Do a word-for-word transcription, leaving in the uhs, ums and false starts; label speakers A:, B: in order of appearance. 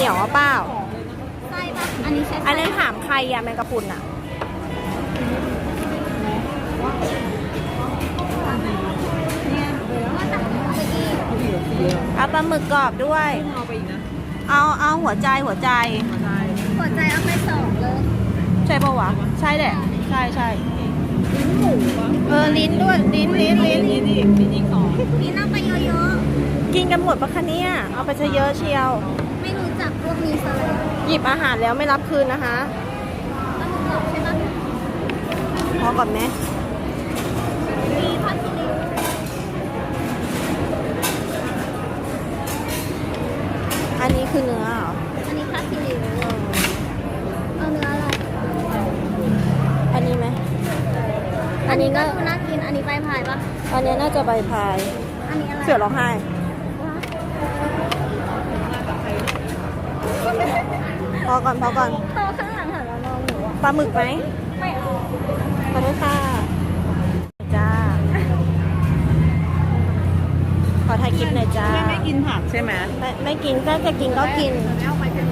A: ยวอ่ะเปล่า
B: ไส้ปะอันนี้ใช่
A: อันนั้นถามใครอะแมงกะพรุนอะเอาปลาหมึกกรอบด้วยเอาไปอีกนะเอาเอาหัวใจหัวใจ
B: หัวใจเอาไปสองเลย
A: ใช่ปะวะใช่แหละใช่ใช่ลิ้นหมูเออลิ้นด้วยลิ้นลิ้นลิ้นลิ้นอีกลิ้นอีกสอง
B: พี่น่าไปเยอะ
A: ๆกินกันหมดปะคะเนี่ยเอาไปซะเยอะเชียว
B: ไม่รู้จักพวกนี้ซะเลย
A: หยิบอาหารแล้วไม่รับคืนนะคะ
B: ต้องกรอบใช่ปะ
A: พอก่อนไหม
B: มีผัดซีอิ๊ว
A: อันนี้คือเนื้อเหรอ
B: อันนี้ผัดซีอิ๊วเอาเนื้ออะไร
A: อันนี้ไหมอันนี้ก็
B: น่ากินอันนี้ใบพายปะ
A: อันนี้น่าจะใบพาย
B: อันนี้อะไร
A: เสือร้องไห้พอก่อนพอก่อน
B: เขาข้างหลังหันมามองหนูอ่ะ
A: ปลาหมึกไหม
B: ไม่เอา
A: ขอโทษค่ะจ้าขอถ่ายคลิปหน่อยจ้า
C: ไม่ไม่กินผักใช่ไหม
A: ไม่ไม่กินถ้าจะกินก็กิน
C: แล้วไปเป็น